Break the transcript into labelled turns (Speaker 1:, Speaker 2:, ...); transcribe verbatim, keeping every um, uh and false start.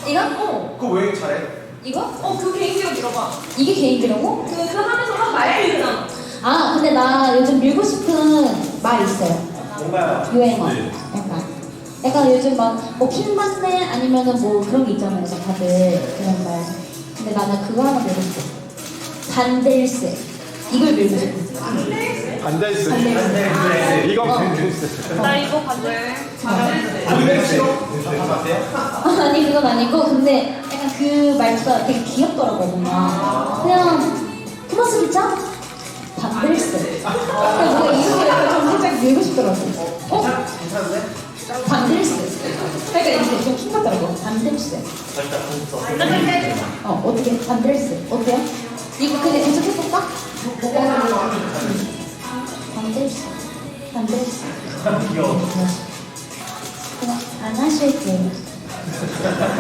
Speaker 1: 이거?
Speaker 2: 어. 그거 왜 잘해?
Speaker 1: 이거?
Speaker 3: 어, 그 개인기로 밀어봐.
Speaker 1: 이게 개인기라고?
Speaker 3: 그, 그 하면서 한 말이 있잖아.
Speaker 1: 아 근데 나 요즘 밀고 싶은 말 있어요.
Speaker 2: 뭔가요?
Speaker 1: 유행어.
Speaker 2: 네.
Speaker 1: 약간. 약간 요즘 막뭐 킹받네 아니면은 뭐 그런 게 있잖아요. 다들 그런 말. 근데 나는 그거 하나 밀고 싶어. 반댈세. 이걸 밀고 싶어.
Speaker 4: 반달스.
Speaker 1: 반댈세.
Speaker 4: 이거
Speaker 1: 어.
Speaker 4: 반달스.
Speaker 3: 나 이거 반대.
Speaker 2: 안돼 싫어? 안돼?
Speaker 1: 아니 그건 아니고 근데 약간 그 말투가 되게 귀엽더라고 뭔가 그냥 플러스 기차? 반댈세 그냥 뭔가 이렇게 약간 좀 살짝 밀고 싶더라고 어?
Speaker 2: 괜찮은데?
Speaker 1: 반댈세 그러니까 이렇게 좀 킹받더라고 반댈세 어 어떻게 반댈세 어때요? 이거 근데 계속 해볼까? 반댈세 반댈세
Speaker 2: 귀여워.
Speaker 1: 그냥 안 하실게요